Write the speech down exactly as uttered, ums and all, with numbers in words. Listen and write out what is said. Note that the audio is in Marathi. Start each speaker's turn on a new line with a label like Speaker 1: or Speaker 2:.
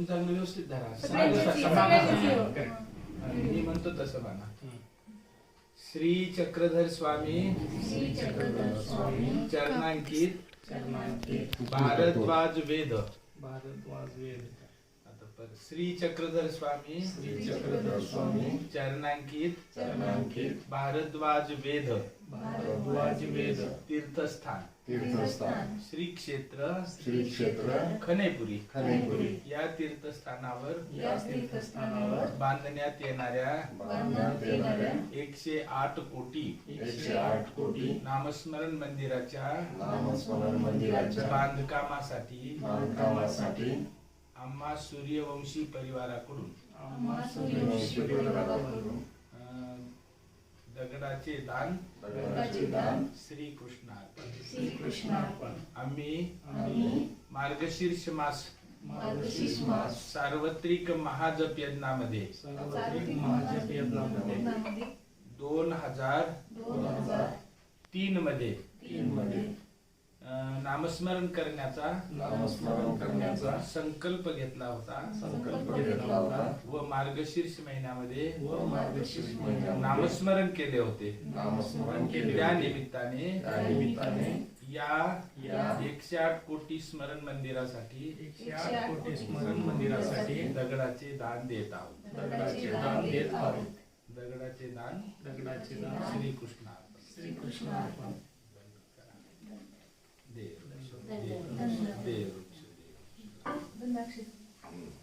Speaker 1: चांगलं व्यवस्थित धरा.
Speaker 2: सगळ्यांची-
Speaker 1: समान-
Speaker 2: सगळ्यांची-
Speaker 1: हा, correct. मी म्हणतो तसं म्हणा. श्री चक्रधर स्वामी
Speaker 2: श्री चक्रधर स्वामी
Speaker 1: चरणांकित
Speaker 2: चरणांकित
Speaker 1: भारद्वाज वेद.
Speaker 2: भारद्वाज वेद.
Speaker 1: आता परत. श्री चक्रधर स्वामी
Speaker 2: श्री चक्रधर स्वामी
Speaker 1: चरणांकित
Speaker 2: चरणांकित
Speaker 1: भारद्वाज वेद
Speaker 2: भारद्वाज वेद
Speaker 1: तीर्थस्थान
Speaker 3: तीर्थस्थान
Speaker 1: श्री क्षेत्र
Speaker 3: श्री क्षेत्र
Speaker 1: खनेपुरी
Speaker 3: खनेपुरी
Speaker 1: या तीर्थस्थानावर
Speaker 2: या तीर्थस्थानावर
Speaker 1: बांधण्यात येणाऱ्या
Speaker 3: बांधण्यात येणाऱ्या
Speaker 1: एकशे आठ कोटी
Speaker 3: एकशे आठ कोटी
Speaker 1: नामस्मरण मंदिराच्या
Speaker 3: नामस्मरण मंदिराच्या
Speaker 1: बांधकामासाठी
Speaker 3: बांधकामासाठी
Speaker 1: आम्हा सूर्यवंशी परिवाराकडून
Speaker 2: आम्हा सूर्यवंशी परिवाराकडून
Speaker 1: अं, दगडाचे दान
Speaker 3: दगडाचे दान
Speaker 1: श्री कृष्णार्पण.
Speaker 2: श्री कृष्णार्पण.
Speaker 1: आम्ही
Speaker 2: आम्ही
Speaker 1: मार्गशीर्ष मास
Speaker 2: मार्गशीर्ष मास
Speaker 1: सार्वत्रिक महाजप यज्ञामध्ये
Speaker 2: सार्वत्रिक महाजप यज्ञामध्ये
Speaker 1: दोन हजार
Speaker 2: दोन हजार
Speaker 1: तीन मध्ये
Speaker 2: तीन मध्ये
Speaker 1: अं, नामस्मरण करण्याचा
Speaker 3: नामस्मरण करण्याचा
Speaker 1: संकल्प घेतला होता
Speaker 3: संकल्प घेतला होता
Speaker 1: व मार्गशीर्ष महिन्यामध्ये
Speaker 2: व मार्गशीर्ष
Speaker 3: महिन्यामध्ये
Speaker 1: नामस्मरण केले होते.
Speaker 3: नामस्मरण केले
Speaker 1: त्या
Speaker 3: होते.
Speaker 1: निमित्ताने
Speaker 3: त्या निमित्ताने
Speaker 1: या
Speaker 2: या
Speaker 1: एकशे आठ कोटी स्मरण मंदिरासाठी
Speaker 2: एकशे आठ कोटी स्मरण मंदिरासाठी
Speaker 1: दगडाचे दान देत आहोत.
Speaker 2: दगडाचे दान देत आहोत.
Speaker 1: दगडाचे दान
Speaker 2: दगडाचे दान
Speaker 1: श्री कृष्णार्पण.
Speaker 2: श्री कृष्णार्पण.
Speaker 1: देव देव देव देव.
Speaker 4: धन्यवाद.